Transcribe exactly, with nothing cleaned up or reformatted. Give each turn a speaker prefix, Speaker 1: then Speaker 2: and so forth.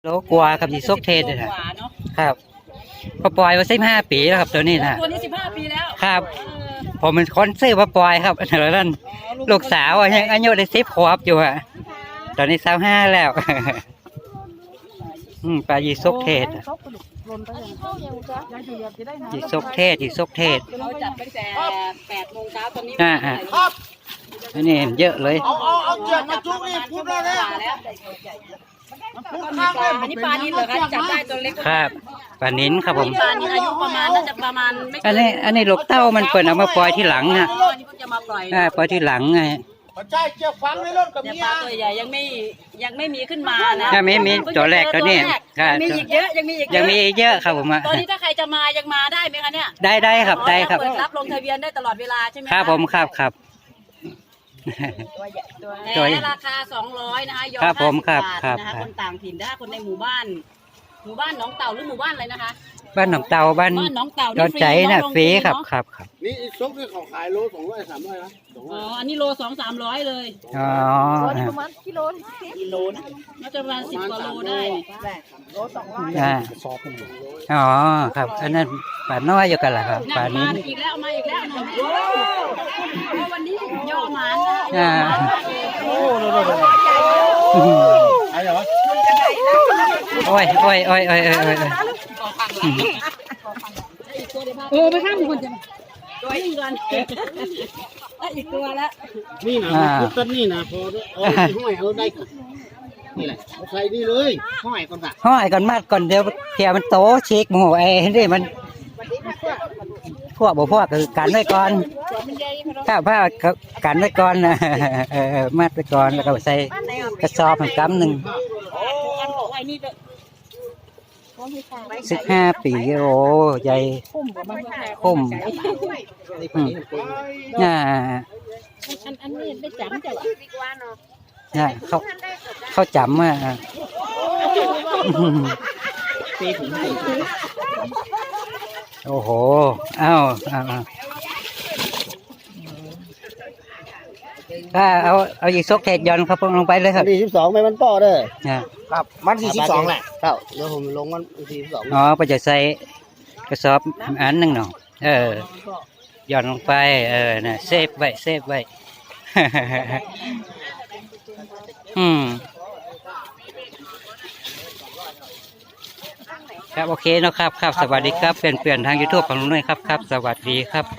Speaker 1: โลกว่ากับยีซกเทศเลยนะครับพอปล่อยมาสิบห้าปีแล้วครับตัวนี้นะ
Speaker 2: ตัวนี้สิบห้าปีแล้ว
Speaker 1: ครับผมเป็นคนซื้อมาปล่อยครับแล้วนั่นลูกสาวยังอายุได้สิบขวบอยู่อะตอนนี้สาวห้าแล้วปลายีซกเทศยีซกเทศยีซกเทศ
Speaker 2: เราจัดตั้งแต่แปดโมงเช้าตอนนี้
Speaker 1: อ่าอ่าอันนี้เยอะเลย
Speaker 3: เอาเอาเอาเจือกมาจุกนี่พูดได้แล้ว
Speaker 2: อันนี้ปลานิลเหรอคะจับได้ตัวเล็ก
Speaker 1: ครับปลานิ้นครับผม
Speaker 2: ปลานิลอายุประมาณน่าจะประมาณไม่
Speaker 1: อันนี้อันนี้ลูกเต้ามันเปิดเอามาปล่อยที่หลังนะ
Speaker 2: จะมาปล่อย
Speaker 1: อ่าปล่อยที่หลังไง
Speaker 3: ใช่เชือกฟังในรถกับเมีย
Speaker 2: ปลาตัวใหญ่ยังไม่ยังไม่มีขึ้นมานะ
Speaker 1: ยังไม่มีตัวแรกตัวนี้
Speaker 2: มีอีกเยอะยังมีอีก
Speaker 1: ยังมีเยอะครับผม
Speaker 2: ตอนนี้ถ้าใครจะมายังมาได้ไหมคะเนี่ย
Speaker 1: ได้ได้ครับได้ครับ
Speaker 2: เปิดรับลงทะเบียนได้ตลอดเวลาใช่ไหม
Speaker 1: ครับผมครับครับ
Speaker 2: ตัวราคาสองร้อยนะคะยอม
Speaker 1: ครับผมครับ
Speaker 2: ครับนะคะคนต่างถิ่นถ้าคนในหมู่บ้านหมู่บ้านหนองเต่าหรือหมู่บ้านอะไรนะคะ
Speaker 1: บ้านหนองเต่าบ้าน
Speaker 2: หนองเต่า
Speaker 1: ดอนใจน่ะฟรีครับครับครับ
Speaker 3: นี่ซกที่เขาขายโลสองร้อยสามร้อยนะ
Speaker 2: อ๋ออันนี้โลสองสามร้อยเลย
Speaker 1: อ๋อ
Speaker 2: ประมาณกิโลกิโลนะน่าจะประมาณสิบกว่าโลได้โลสองร้อย
Speaker 1: อ๋อครับอันนั้นปลาน้อยอยู่กันแหละครับปลานี้
Speaker 2: อีกแล้วมาอีกแล้ววันนี้ย่อมา
Speaker 1: อ่า
Speaker 3: โอ้โหไอ้เหรอ
Speaker 1: โอ้ยโอ้ยโอ้ยโอ้ยโอ้ยโอ้ย
Speaker 2: โอ้ไปข้ามคนจะตัวอีกก่อนอีกตัวแล้ว
Speaker 3: นี่นะพุทธนี่นะพอเอาห้อยเอาได้นี่แหละเอาใส่นี่เลยห้อยก่อนค่ะ
Speaker 1: ห้อยก่อนมาก่อนเดี๋ยวเพียมันโตเช็คหมูไอ้นี่มันพวกบ่พวกคือกันไว้ก่อนถ้าผ้ากันไว้ก่อนนะเออมัดไว้ก่อนแล้วก็ใส่กระสอบกำหนึ่งสิบห้าปีโอ้ใหญ่คุ้มน่า
Speaker 2: อันนี้ได้จำจ้ะ
Speaker 1: น่าเขาเขาจำอ่ะโอ้โหอ้าวอ้าวถ้าเอาเอาอีกซกเทศย้อนครับลงไปเลยครับ
Speaker 3: สี่สิบสองไม่มันป้อเด้อ
Speaker 1: ครับ
Speaker 3: มันสี่สิบสองแหละครับเดี๋ยวผมลงมันสี่สิบสอง
Speaker 1: อ๋อไปจะใส่กระสอบอันหนึ่งหน่อเออย้อนลงไปเออน่ะเซฟไว้เซฟไว้อืมครับโอเคนะครับครับสวัสดีครับเปลี่ยนเปลี่ยนทาง ยูทูบ ของลุงด้วยครับครับสวัสดีครับ